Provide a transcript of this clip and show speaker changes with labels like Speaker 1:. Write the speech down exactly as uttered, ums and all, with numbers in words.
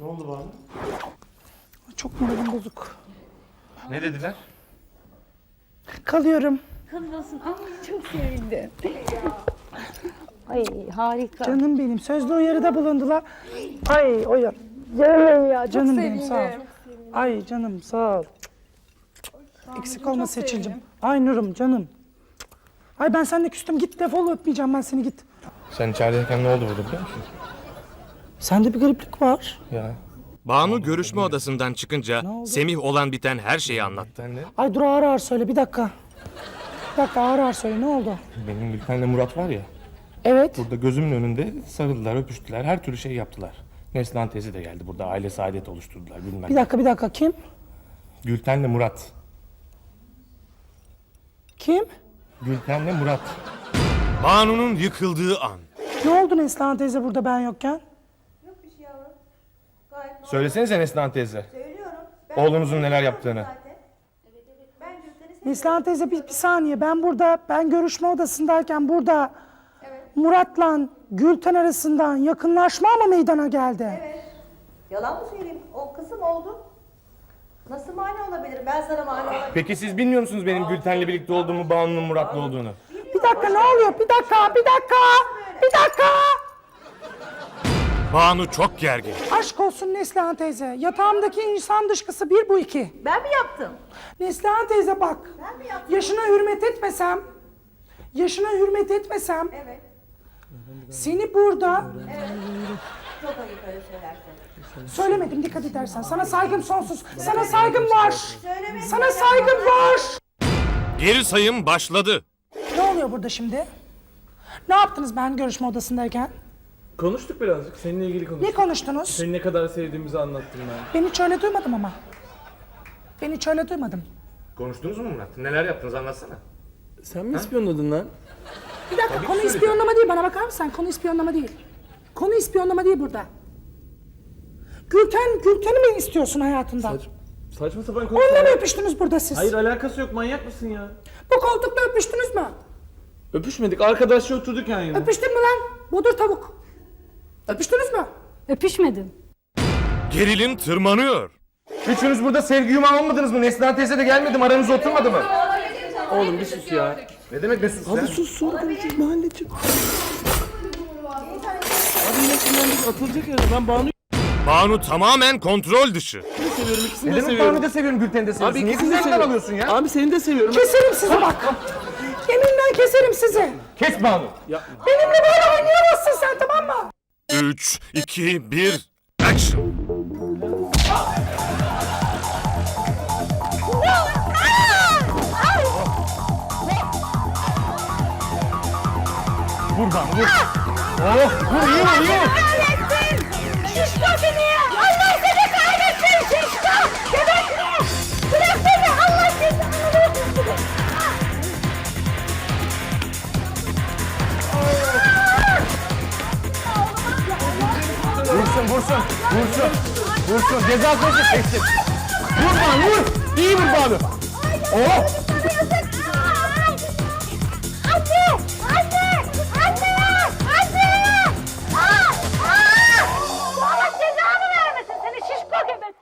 Speaker 1: Ne oldu Banu?
Speaker 2: Çok moralim bozuk.
Speaker 1: Ne dediler?
Speaker 2: Kalıyorum.
Speaker 3: Kalıyorsun. Ay çok sevindim. Ay harika.
Speaker 2: Canım benim. Sözlü uyarıda bulundular. Ay o ya. Canım benim ya. Canım benim sağ ol. Ay canım sağ ol. Eksik olma Seçil'cim. Ay Nurum canım. Ay ben seninle küstüm. Git defol, öpmeyeceğim ben seni, git.
Speaker 1: Sen içerideyken ne oldu burada biliyor musun?
Speaker 2: Sende bir gariplik var.
Speaker 1: Ya.
Speaker 4: Banu görüşme odasından çıkınca Semih olan biten her şeyi anlattı.
Speaker 1: Sen de
Speaker 2: Ay dur, ağır ağır söyle, bir dakika. Bir dakika, ağır ağır söyle, ne oldu?
Speaker 1: benim Gülten'le Murat var ya.
Speaker 2: Evet.
Speaker 1: Burada gözümün önünde sarıldılar, öpüştüler, her türlü şey yaptılar. Neslihan teyze de geldi burada, aile saadet oluşturdular bilmem.
Speaker 2: Bir dakika bir dakika, kim?
Speaker 1: Gülten'le Murat.
Speaker 2: Kim?
Speaker 1: Gülten'le Murat.
Speaker 4: Banu'nun yıkıldığı an.
Speaker 2: Ne oldu Neslihan teyze burada ben yokken?
Speaker 5: Yok bir şey yavrum. Gayet normal.
Speaker 1: Söylesenize Neslihan teyze.
Speaker 5: Söylüyorum.
Speaker 1: Oğlunuzun neler yaptığını.
Speaker 5: Zaten. Evet evet. Ben Gülten'i seviyorum.
Speaker 2: Neslihan teyze bir, bir saniye, ben burada, ben görüşme odasındayken burada Murat'la Gülten arasından yakınlaşma mı meydana geldi?
Speaker 5: Evet. Yalan mı söyleyeyim? O kızım oldu. Nasıl mani olabilirim? Ben sana mani olabilirim.
Speaker 1: Peki siz bilmiyor musunuz benim Gülten'le birlikte olduğumu, Banu'nun Murat'la olduğunu?
Speaker 2: Bir dakika, ne oluyor? Bir dakika, bir dakika, bir dakika.
Speaker 4: Banu çok gergin.
Speaker 2: Aşk olsun Neslihan teyze. Yatağımdaki insan dışkısı bir, bu iki.
Speaker 5: Ben mi yaptım?
Speaker 2: Neslihan teyze bak.
Speaker 5: Ben mi yaptım?
Speaker 2: Yaşına hürmet etmesem, yaşına hürmet etmesem,
Speaker 5: Evet.
Speaker 2: seni burada
Speaker 5: Çok ayıp öyle söylersen.
Speaker 2: söylemedim, dikkat edersen. Sana saygım sonsuz. Sana saygım var.
Speaker 5: Söylemedim.
Speaker 2: Sana saygım var.
Speaker 4: Geri sayım başladı.
Speaker 2: Ne oluyor burada şimdi? Ne yaptınız ben görüşme odasındayken?
Speaker 6: Konuştuk birazcık. Seninle ilgili konuştuk.
Speaker 2: Ne konuştunuz?
Speaker 6: Seni ne kadar sevdiğimizi anlattım ben.
Speaker 2: Ben hiç öyle duymadım ama. Ben hiç öyle duymadım.
Speaker 1: Konuştunuz mu Murat? Neler yaptınız anlatsana.
Speaker 6: Sen mi ispiyonladın lan?
Speaker 2: Bir dakika, konu ispiyonlama değil, bana bakar mısın? Konu ispiyonlama değil. Konu ispiyonlama değil burada. Gülten, Gülten'i mi istiyorsun hayatında?
Speaker 6: Saç, saçma sapan konuşma.
Speaker 2: Onunla mı öpüştünüz burada siz?
Speaker 6: Hayır alakası yok, manyak mısın ya?
Speaker 2: Bu koltukta öpüştünüz mü?
Speaker 6: Öpüşmedik, arkadaşça oturduk yan yana.
Speaker 2: Öpüştün mü lan? Budur tavuk. Öpüştünüz mü?
Speaker 3: Öpüşmedim.
Speaker 4: Gerilim tırmanıyor.
Speaker 1: Üçünüz burada sevgi yumağı olmadınız mı? Neslihan teyze de gelmedi mi? Aranıza oturmadı mı?
Speaker 6: Oğlum bir sus ya.
Speaker 1: Ne demek ne sus
Speaker 6: Hadi
Speaker 1: sen?
Speaker 6: sus, sonra konuşuruz mahalleciğim. Hadi yine sinirlendik, atılacak ya. Ben Banu'yu
Speaker 4: Banu tamamen kontrol dışı.
Speaker 6: seviyorum, ikisini
Speaker 1: Ne
Speaker 6: de
Speaker 1: demek
Speaker 6: seviyorum.
Speaker 1: Banu'yu da seviyorum, Gülten'i de seviyorsun.
Speaker 6: Abi
Speaker 1: Niye
Speaker 6: ikisini de
Speaker 1: bizden
Speaker 6: seviyorum.
Speaker 1: alıyorsun ya?
Speaker 6: Abi seni de seviyorum.
Speaker 2: Keserim sizi bak. Yeminle keserim sizi.
Speaker 1: Kes Banu.
Speaker 2: Benimle böyle oynayamazsın sen, tamam mı?
Speaker 4: üç, iki, bir, action.
Speaker 1: Vur Banu vur. Oh vur, iyi vur, iyi vur.
Speaker 3: Şişko seni! Allah seni kahretsin şişko! Gebekli! Bırak beni! Allah seni!
Speaker 1: Vursun vursun. Vursun. Vursun. Ceza süresi seçsin. Vur Banu vur. İyi vur Banu. Oh.
Speaker 3: Anne! Anne! Anne! Anne! Aa! Aa! Allah cezanı vermesin seni şişko gebek!